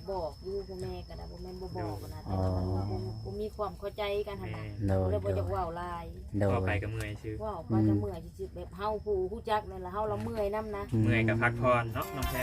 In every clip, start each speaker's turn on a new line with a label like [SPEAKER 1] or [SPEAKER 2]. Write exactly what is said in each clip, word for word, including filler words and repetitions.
[SPEAKER 1] บอกอยู่พ่อแม่ก็ได้บ่แม่นบ่บอกนะแต่ว่ามันบ่บ่มีความเข้าใจกันหั่นน่ะเลยบ่อยากเว้าหลาย
[SPEAKER 2] ก็ไปกับเมื่อยชื่อ
[SPEAKER 1] เว้าไปก็เมื่อยสิแบบเฮาผู้ฮู้จักนั่นล่ะเฮาละเมื่อยนำนะ
[SPEAKER 2] เมื่อยก็พักผ่อนเนาะน้องแพร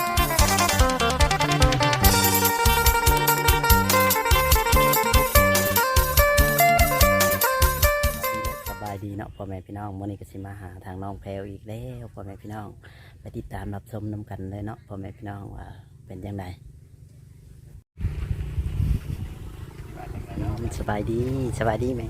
[SPEAKER 2] สบายดีเนาะพ่อแม่พี่น้องมื้อนี้ก็สิมาหาทางน้องแพรวอีกแล้วพ่อแม่พี่น้องไปติดตามรับชมนำกันเลยเนาะพ่อแม่พี่น้องว่าเป็นจังไดสบายดีสบายดีไหม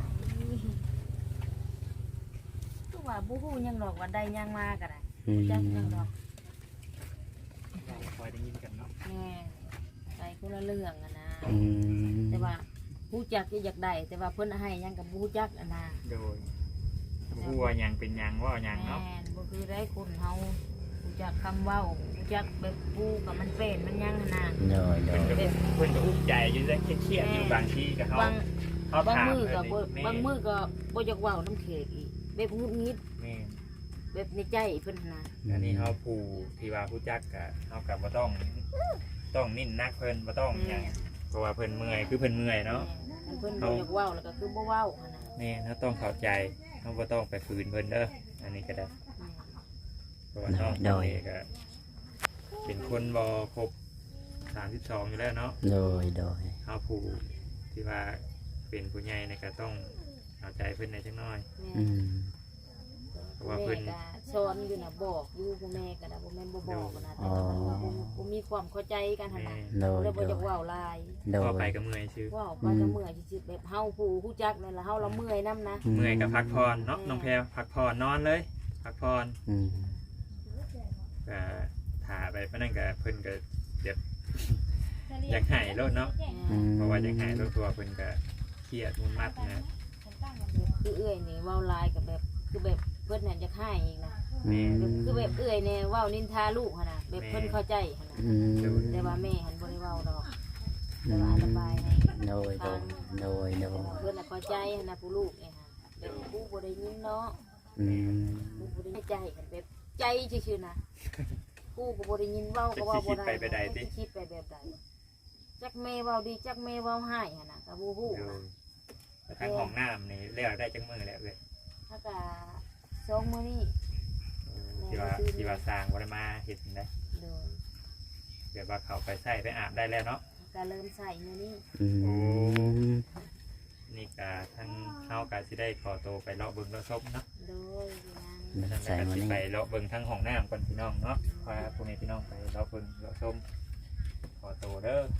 [SPEAKER 1] คือว่าบ่ฮู้หยังดอกว่าได้หยังมาก็ได้จักหยังดอก
[SPEAKER 2] คอยได้ยินกันเนาะ
[SPEAKER 1] แม่ไปคนละเรื่องอ่ะนะแต่ว่าฮู้จักอยากได้แต่ว่าเพิ่นให้หยังก็บ่ฮู้จักอ่ะนะ
[SPEAKER 2] โดยฮู้ว่าหยังเป็นหยังว่าหยังเนาะ
[SPEAKER 1] แม่นบ่คือได้คนเฮาฮู้จักคำเว้าฮู้จักแบบผู้กับมันเป็นมันหยังอ่ะนะ
[SPEAKER 2] โดยโดยเพิ่นก็อุ้มใจอยู่ได้เครียดอยู่บางทีก็เฮา
[SPEAKER 1] เขาบางมือก็บางมือก็บ่อยากเว้าน้ำเขกอีกแบบงุดงิด
[SPEAKER 2] แม่
[SPEAKER 1] แบบในใจเพิ่นนะ
[SPEAKER 2] อันนี้เฮาผู้ที่ว่าผู้จักก็เฮาก็บ่ต้องต้องนิ่นนักเพิ่นบ่ต้องหยังเพราะว่าเพิ่นเมื่อยคือเพิ่นเมื่อยเนาะ
[SPEAKER 1] เพิ่นบ่อยากเว้าแล้วก็คือบ่เว้าหั่นน่ะ
[SPEAKER 2] แม่เฮาต้องเข้าใจเฮาบ่ต้องไปฝืนเพิ่นเด้ออันนี้ก็ได้เพราะว่าน้องโดยก็เป็นคนบ่ครบสามสิบสองอยู่แล้วเนาะโดยโดยเฮาผู้ที่ว่าเป็นผู้ใหญ่เนี่ยก็ต้องเข้าใจเพิ่นในจังน้อยอืมเพราะว่าเพิ่น
[SPEAKER 1] ก็สอนอยู่น่ะบอกอยู่พ่อแม่ก็ได้บ่แม่นบ่บอกนะแต่ว่ามันบ่มีความเข้าใจกันหั่นน่ะเลยบ่อยากเว้าหลาย
[SPEAKER 2] ก็ไปกับเมื่อยชื่อ
[SPEAKER 1] เว้าไปก็เมื่อยสิแบบเฮาผู้ฮู้จักนั่นล่ะเฮาละเมื่อยนำนะ
[SPEAKER 2] เมื่อยก็พักผ่อนเนาะน้องแพรพักผ่อนนอนเลยพักผ่อนอืมก็ถ่าไปปานนั้นก็เพิ่นก็เดี๋ยวอยากหายรถเนาะเพราะว่าอยากหายรถตัวเพิ่นก็เครียดมุ่นมัดนะ
[SPEAKER 1] คือเอื้อยนี่เว้าลายกับแบบคือแบบเพิ่นน่ะจะหายอีกนะคือแบบเอื้อยเนี่ยเว้านินทาลูกหั่นน่ะแบบเพิ่นเข้าใจหั่นน่ะแต่ว่าแม่หันบ่ได้เว้าดอกแต่ว่าสบายให้
[SPEAKER 2] โดยโดยโดยโดย
[SPEAKER 1] เพิ่นน่ะเข้าใจหั่นน่ะผู้ลูกเนี่ยฮะแบบผู้บ่ได้ยินเนาะอืมผู้บ่ได้ใจกันแบบใจซื่อๆนะผู้ก็บ่ได้ยินเว้าก็เว้าบ่ได้คิดไปแบบใดจักแม่เว้าดีจักแม่เว้าให้หั่นน่ะก็บ่ฮู้นะ
[SPEAKER 2] ทางห้องน้ำนี่เรียกได้จังมือแล้วเว้ย
[SPEAKER 1] ถ้าก็สองมื้อนี้
[SPEAKER 2] ที่ว่าที่ว่าสร้างบ่ได้มาเฮ็ดได้โดยเดี๋ยวว่าเขาไปใส่ไปอาบได้แล้วเนาะ
[SPEAKER 1] ก็เริ่มใส่มื้อนี้
[SPEAKER 2] โอ้นี่ก็ทั้งเฮาก็สิได้ขอตัวไปเลาะเบิ่งเลาะชมเนาะโดยนั่นใส่มื้อนี้ไปเลาะเบิ่งทั้งห้องน้ำก่อนพี่น้องเนาะพาพวกนี้พี่น้องไปเลาะเบิ่งเลาะชมขอตัวเด้อ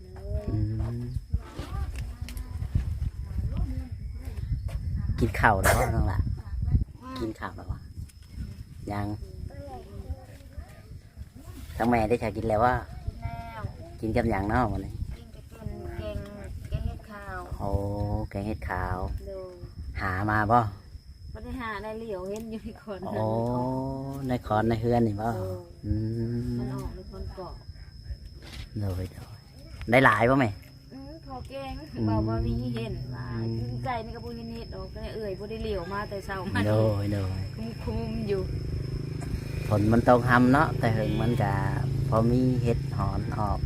[SPEAKER 2] กินข้าวแล้วน้องล่ะกินข้าวแล้ววะยังทั้งแม่ได้ชากินแล้วว่ากินกับอย่างเนาะวันนี้
[SPEAKER 1] กินกับแกงแกงเห็ดขาว
[SPEAKER 2] โอ้แกงเห็ดขาวหามาบ่
[SPEAKER 1] ไม่ได้หาในเหลียวเห็นอยู่ในคอน
[SPEAKER 2] โอ้ในคอนในเฮือนนี่บ่อื
[SPEAKER 1] มมันออกในคอนเกาะ
[SPEAKER 2] เลยได้หลายป่ะแม่
[SPEAKER 1] พอแกงเบาบาวีเห็นว่าใจนี่ก็บุญเห็ดออกก็เอื่อยบุได้เหลียวมาแต่เช้ามา
[SPEAKER 2] โดยโดย
[SPEAKER 1] คุ้มคุ้มอยู่
[SPEAKER 2] ผลมันตรงทำเนาะแต่ถึงมันจะพอมีเห็ดหอนออก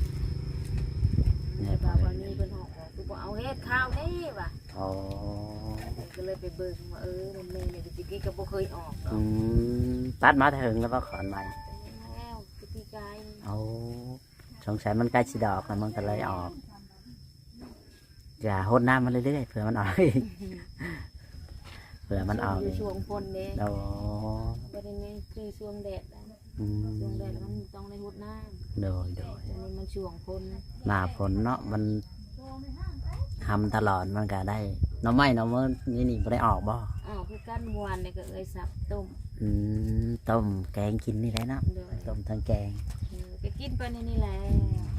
[SPEAKER 1] เนี่ยบาบาวีเป็นหอกคือบอกเอาเห็ดข้าวนี่ว่ะ
[SPEAKER 2] อ๋อ
[SPEAKER 1] ก็เลยไปเบิ่งว่าเออมันเมย์เนี่ยจริงๆก็บ่เคยออก
[SPEAKER 2] อืมตัดมาถึงแล้วก็ขอนใหม่
[SPEAKER 1] แล้วปีกาย
[SPEAKER 2] เอาสงสัยมันใกล้สิดอกแล้วมันก็เลยออกอย่าหดน้ำมันเรื่อยๆเผื่อมันออกเผื่อมันออก
[SPEAKER 1] ช่วงฝนเนี่ย
[SPEAKER 2] โอ้
[SPEAKER 1] ประเด็นนี้คือช่วงแดดช่วงแดดแล้วมันต้องในหดน้
[SPEAKER 2] ำโดยโดย
[SPEAKER 1] มันช่วงฝน
[SPEAKER 2] หน้าฝนเนาะมันทำตลอดมันก็ได้น้ำไม้น้ำมันนี่นี่ไม่ได้ออกบ่
[SPEAKER 1] อ๋อคือกั้นมวนเนี่ยก็เอ้ยสับต้ม
[SPEAKER 2] อืมต้มแกงกินนี่แหละเนาะต้มทั้งแกง
[SPEAKER 1] ก็กินไปในนี่แหละ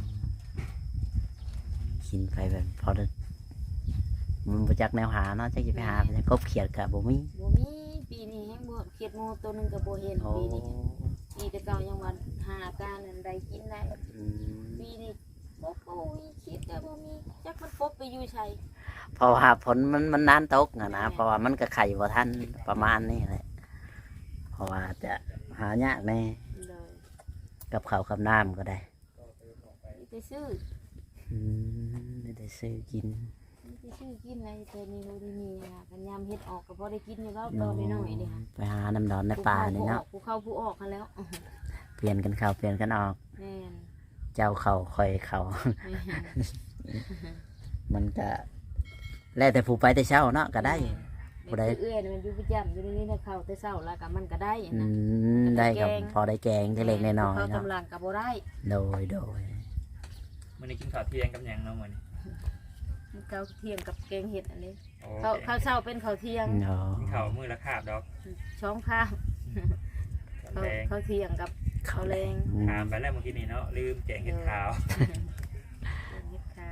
[SPEAKER 2] กินไปแบบพอได้มันประจักแนวหาเนาะจะกินไปหาเนี่ยกบเขียดกับบ่มี
[SPEAKER 1] บ่มีปีนี้แห้งบ่เขียดโมตัวนึงกับบ่เห็นปีนี้ปีแต่เก่ายังวันหาการอันใดกินได้ปีนี้บ่บ่มีเขียดกับบ่มีจักมันปบไปอยู่ใช่
[SPEAKER 2] เพราะว่าผลมันมันนานตกนะนะเพราะว่ามันก็ไข่บ่ทันประมาณนี้แหละเพราะว่าจะหายากแน่กับข้าวกับน้ำก็ได้
[SPEAKER 1] ไปซื้อ
[SPEAKER 3] อืมไม่ได้ซื้อกิน
[SPEAKER 1] ไปซื้อกินอะไรแต่นี่โนดีมีค่ะกันยามเฮ็ดออกก็พอได้กินอยู่แล้วตอนน้อยๆนี่ค่ะ
[SPEAKER 3] ไปหาน้ำดอนในป่านี่เนาะ
[SPEAKER 1] ผู้เข้าผู้ออกกันแล้ว
[SPEAKER 3] เปลี่ยนกันเข้าเปลี่ยนกันออก
[SPEAKER 1] แม่น
[SPEAKER 3] เจ้าเขาคอยเขา
[SPEAKER 1] แม่น
[SPEAKER 3] มันก็แล้วแต่ผู้ไปแต่เช้าเนาะก็ได้
[SPEAKER 1] บ่ได้เอื้อยมันอยู่ประจำอยู่ในนี้นะเข้าแต่เช้าแล้วก็มันก็ได้
[SPEAKER 3] อื
[SPEAKER 1] นะ
[SPEAKER 3] มได้กับ
[SPEAKER 1] แกง
[SPEAKER 3] พอได้แกงได้เล็กน้อย
[SPEAKER 1] เขา
[SPEAKER 3] ๆเนาะ
[SPEAKER 1] กำลังก็บ่ได้
[SPEAKER 3] โดยโดย
[SPEAKER 2] มื้อนี้กินข้าวเที่ยงกับหยังเนาะมื้อนี้
[SPEAKER 1] ข้าวเที่ยงกับแกงเห็ดอันนี้
[SPEAKER 2] โอ้
[SPEAKER 1] ข้าวข้าวเช้าเป็นข้าวเที่ยง
[SPEAKER 3] เนาะ
[SPEAKER 2] กินข้าวมื้อละคาบดอก
[SPEAKER 1] ช้องข้าว
[SPEAKER 2] ตอน
[SPEAKER 1] ข้าว
[SPEAKER 2] แดง
[SPEAKER 1] ข้าวเที่ยงกับข้าวแรง
[SPEAKER 3] อืม
[SPEAKER 2] ถามไปแล้วเมื่อกี้นี่เนาะลืมแกงเห็ดขาว
[SPEAKER 1] แกงเห็ดข้าว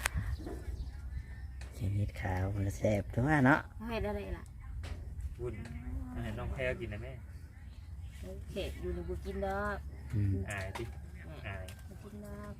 [SPEAKER 3] ชีวิตขาวมันแซ่บตัวเนาะ
[SPEAKER 1] เฮ็ดอะไรล่ะ
[SPEAKER 2] วุ่นอันนี้น้องแพรกินนะแม่
[SPEAKER 1] เค้กอยู่ในบุกินดอก
[SPEAKER 3] อืม
[SPEAKER 2] อายติอาย
[SPEAKER 1] บุกินดอก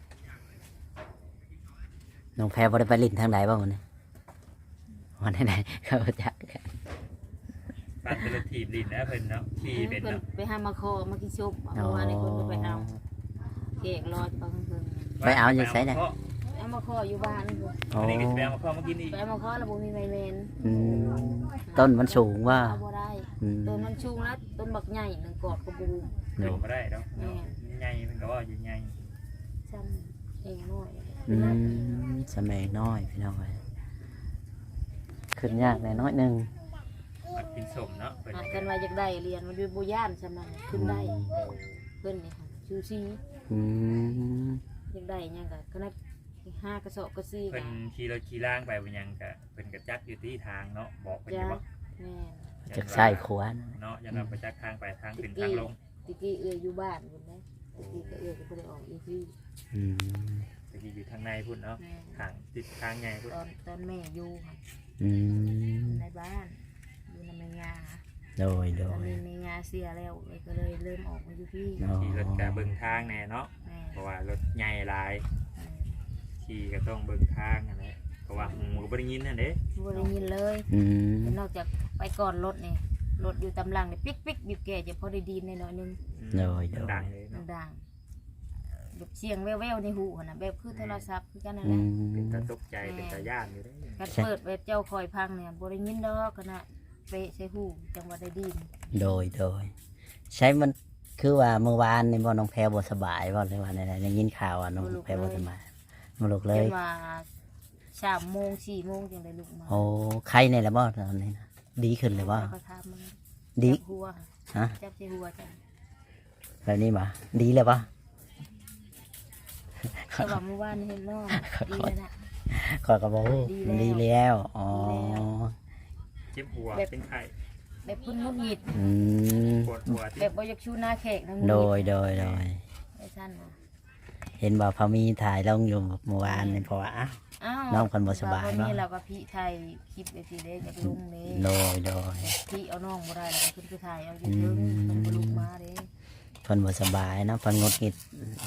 [SPEAKER 3] น้องแพรบ่ได้ไปลิ้นทางใดบ้างวันนี้วันไหนๆเขาจักกัน
[SPEAKER 2] ปั่นเป็นรถถีบดินนะเพิ่นเนาะขี่เป็น
[SPEAKER 1] เพิ่น
[SPEAKER 2] เนาะ
[SPEAKER 1] ไปหามาคอมากินซุปเมื่อวานนี้เพิ่นก็ไปเอาเค้กรอดปังเพิ่น
[SPEAKER 3] ไปเอาอยู่ไสน่ะ
[SPEAKER 2] เพราะ
[SPEAKER 1] เอามาคออยู่บ้านเพิ่น
[SPEAKER 3] โอ้
[SPEAKER 2] อันนี้ก็สิไปเอามาพ่อมากินอีก
[SPEAKER 1] ไปเอามาคอแล้วบ่มีไมเมน
[SPEAKER 3] อืมต้นมันสูงว่า
[SPEAKER 1] เอาบ่ได้
[SPEAKER 3] อืม
[SPEAKER 1] ต้นมันชูงแล้วต้นบักใหญ่หนึ่งกอดกระบู
[SPEAKER 2] โดดมาได้เนาะเนาะใหญ่เพิ่นก็ว่าอยู่ใหญ่
[SPEAKER 1] ซ้ำเองน้อย
[SPEAKER 3] อืมสมัยน้อยพี่น้องเอ้ยขึ้นยากหน่อยน้อยหนึง
[SPEAKER 2] มันกินสมเนาะเพิ่น
[SPEAKER 1] หากันว่าอยากได้เรียนมันอยู่บุย่านใช่ไหมขึ้นได้เพิ่นนี่ค่ะชูซี
[SPEAKER 3] อืม
[SPEAKER 1] อยากได้หยังก็ขนาดห้ากระสอบกระซี
[SPEAKER 2] เพิ่น
[SPEAKER 1] ก็
[SPEAKER 2] ขี่รถขี่ล่างไปเป็นหยังก็เพิ่นก็จักอยู่ที่ทางเนาะบอกเพิ่นอ
[SPEAKER 1] จ้า
[SPEAKER 2] ยู่ว่า
[SPEAKER 1] แม่
[SPEAKER 3] จากใส่ขวาน
[SPEAKER 2] เนาะยันเราไปจักทางไปทางขึ้นทางลง
[SPEAKER 1] ตะกี้เอื้อยอยู่บ้านคุณนะตะกี้ก็เอื้อยก็บ่ได้ออกอีที่
[SPEAKER 3] อืม
[SPEAKER 2] ตะกี้อยู่ทางในพุ่นเนาะ
[SPEAKER 1] แม่
[SPEAKER 2] ทางติดทางใหญ่พุ่น
[SPEAKER 1] ตอนตอนแม่อยู่ค่ะ
[SPEAKER 3] อืม
[SPEAKER 1] ในบ้านอยู่ในแม่ยา
[SPEAKER 3] โดยโด
[SPEAKER 1] ตอน
[SPEAKER 3] ย
[SPEAKER 1] นี้แม่ยาเสียแล้วเอ้ยก็เลยเริ่มออกมาอยู่ที่
[SPEAKER 3] เนาะ
[SPEAKER 2] ขี่รถกะเบิ่งทางแน่เนาะ
[SPEAKER 1] แม่
[SPEAKER 2] เพราะว่ารถใหญ่หลายขี่ก็ต้องเบิ่งทางนั่นแหละเพราะว่าหูก็บ่ได้ยินนั่นเด้
[SPEAKER 1] บ่ได้ยินเลย
[SPEAKER 3] อืม
[SPEAKER 1] แต่นอกจากไปก่อนรถนี่รถอยู่ตำลังนี่ปิ๊กปิ๊กบีบแก่จะพอได้ดีในหน่อยนึง
[SPEAKER 3] โดยโดย
[SPEAKER 2] ดังเลย
[SPEAKER 1] มัน
[SPEAKER 2] เนาะ
[SPEAKER 1] ดังแบบเสียงแว่วๆในหูหั่นน่ะแบบคือโทรศัพท์คือกันนั่น
[SPEAKER 3] อื
[SPEAKER 1] แหละ
[SPEAKER 2] เป็น
[SPEAKER 3] ม
[SPEAKER 2] ตาตกใจเป็นตาย่านอยู่เด้
[SPEAKER 1] การเปิดแบบเจ้าคอยพังเนี่ยบ่ได้ยินดอกขนาดเปะใส่หูจังว่าได้ดีน
[SPEAKER 3] โดยโดยใช้มันคือว่าเมื่อวานในบ่น้องแพรบ่สบายบ่เลยว่าในในยินข่าวว่าน้องแพรบ่สบายมาลุกเล
[SPEAKER 1] จ
[SPEAKER 3] ย
[SPEAKER 1] นว่าสามโมงสี่โมงจังได้ลุกมา
[SPEAKER 3] โอ้ไข้ในละบ่ตอนนี้นะดีขึ้นเลยบ่
[SPEAKER 1] แล้วก็ทำมัน
[SPEAKER 3] ดี
[SPEAKER 1] จับหัว
[SPEAKER 3] ฮะ
[SPEAKER 1] จับใส่หัวจ้ะ
[SPEAKER 3] แบบนี้บ่ดีเลยบ่
[SPEAKER 1] แต่ว่าเมื่อวานเห็นน้องดีแล้วนะ
[SPEAKER 3] ขอยก็บอกโอ้
[SPEAKER 1] ดีแล้ว
[SPEAKER 3] ดีแล้วอ๋อ
[SPEAKER 1] ดีแล้ว
[SPEAKER 2] เจ็บหัวเป็นไข้
[SPEAKER 1] แบบพุ่นงุดหงิด
[SPEAKER 3] อืม
[SPEAKER 2] ปวดหัว
[SPEAKER 1] แบ
[SPEAKER 2] ที่
[SPEAKER 1] บบ่อยากชูหน้าแขกนะ
[SPEAKER 3] โดยโดยโดย
[SPEAKER 1] ไอ้ท่านน่ะ
[SPEAKER 3] เห็นว่าพอมีถ่ายลงอยู่เมื่อวานนี่เพราะว่าอ้าว
[SPEAKER 1] อ้าว
[SPEAKER 3] น้องคนบ่สบาย
[SPEAKER 1] วัน
[SPEAKER 3] เนอะ
[SPEAKER 1] นี้เราก็พี่ไทยคลิปไปสิเด้จากลุงเด้
[SPEAKER 3] โดยโดย
[SPEAKER 1] พี่เอาน้องบ่ได้แล้วก็ขึ้นไปถ่ายเอาอยู่เทิงเพิ่นบ่ลุกมาเด้
[SPEAKER 3] เพิ่นบ่สบายเนาะเพิ่นงดงิด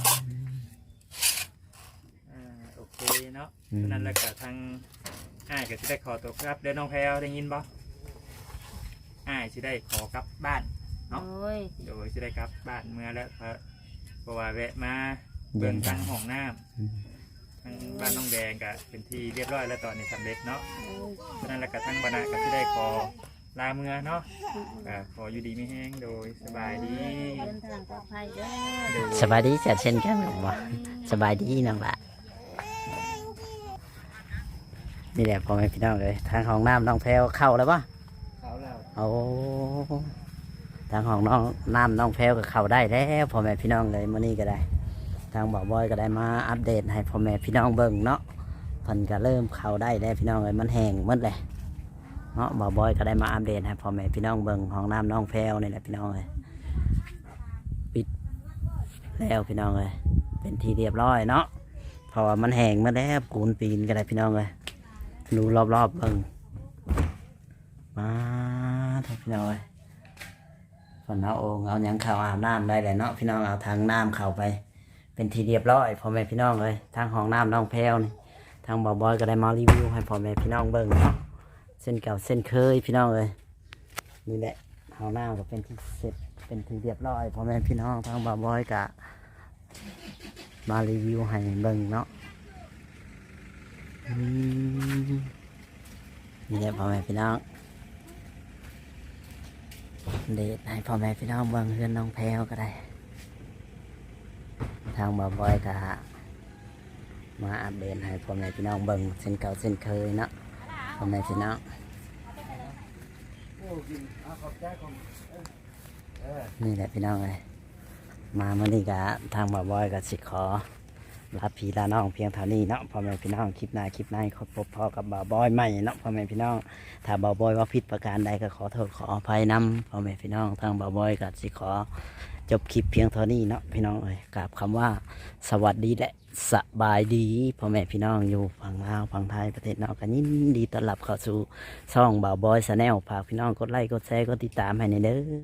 [SPEAKER 2] อ่าโอเคเนาะฉะนั้นแล้วก็ทางอ้ายก็สิได้ขอตัวครับเดี๋ยวน้องแพรวได้ยินบ่อ้ายสิได้ขอกลับบ้าน เนาะ
[SPEAKER 1] โอ้ย
[SPEAKER 2] โดยสิได้กลับบ้านเมื่อแล้วเพราะเพราะว่าแวะมาเบิ่งทางห้องน้ำ
[SPEAKER 3] อืม
[SPEAKER 2] ทางบ้านน้องแดงก็เป็นที่เรียบร้อยแล้วตอนนี้สำเร็จเนาะ
[SPEAKER 1] โอ้ย
[SPEAKER 2] ฉะนั้นแล้วก็ทั้งบรรณะก็จะได้ขอลาเมือเนาะก็ขออยู่ดีไม่แห้งโดยสบายดี
[SPEAKER 1] เดินทางปลอดภัยเด้อ
[SPEAKER 3] สบายดีจัดเช่นกันผมว่าสบายดีน้องละนี่แหละพ่อแม่พี่น้องเลยทางห้องน้ำน้องแพรวเข้าแล้วปะ
[SPEAKER 2] เขาแล้ว
[SPEAKER 3] โอ้ทางห้องน้องน้ำน้องแพรวก็เข้าได้แล้วพ่อแม่พี่น้องเลยมื้อนี้ก็ได้ ทางบ่าวบอยก็ได้มาอัปเดตให้พ่อแม่พี่น้องเบิ่งเนาะเพิ่นก็เริ่มเข้าได้แล้วพี่น้องเลยมันแห้งหมดเลยเนาะบ่าวบอยก็ได้มาอัปเดตให้พ่อแม่พี่น้องเบิ่งห้องน้ำน้องแพรวนี่แหละพี่น้องเลยปิดแล้วพี่น้องเลยเป็นที่เรียบร้อยเนาะเพราะว่ามันแห้งหมาแล้วกูนปีนก็ได้พี่น้องเลยดูรอบๆเบิ่งมาทุกพี่น้องเลยฝนเอาโอ่งเอาหยังเข้าอาบน้ำได้เลยเนาะพี่น้องเอาทางน้ำเข้าไป เป็นทีเรียบร้อยพ่อแม่พี่น้องเลยทางห้องน้ำน้องแพรวนี่ทางบ่าวบอยก็ได้มารีวิวให้พ่อแม่พี่น้องเบิ่งเนาะเส้นเก่าเส้นเคยพี่น้องเลยนี่แหละห้องน้ำก็เป็นที่เสร็จเป็นทีเรียบร้อยพ่อแม่พี่น้องทางบ่าวบอยกะมารีวิวให้เบิ่งเนาะอืมนี่แหละพ่อแม่พี่น้องเดทให้พ่อแม่พี่น้องเบิ่งเพื่อนน้องแพรวก็ได้ทางบ่าวบอยก็มาอัปเดตให้พ่อแม่พี่น้องเบิ่งเส้นเก่าเส้นเคยเนาะพ่อแม่พี่น้องนี่แหละพี่น้องเลยมาเมื่อนี้ก็ทางบ่าวบอยก็สิขอลาพี่ลาน้องเพียงเท่านี้เนาะพ่อแม่พี่น้องคลิปหน้าคลิปหน้าขอพบพ่อกับบ่าวบอยใหม่เนาะพ่อแม่พี่น้องถ้าบ่าวบอยว่าผิดประการใดก็ขอโทษขออภัยนำพ่อแม่พี่น้องทางบ่าวบอยก็สิขอจบคลิปเพียงเท่านี้เนาะพี่น้องเอ้ยกราบคำว่าสวัสดีและสบายดีพ่อแม่พี่น้องอยู่ฝั่งลาวฝั่งไทยประเทศนอกกันยินดีต้อนรับเข้าสู่ช่องบ่าวบอยชาแนลฝากพี่น้องกดไลค์กดแชร์กดติดตามให้ในเด้อ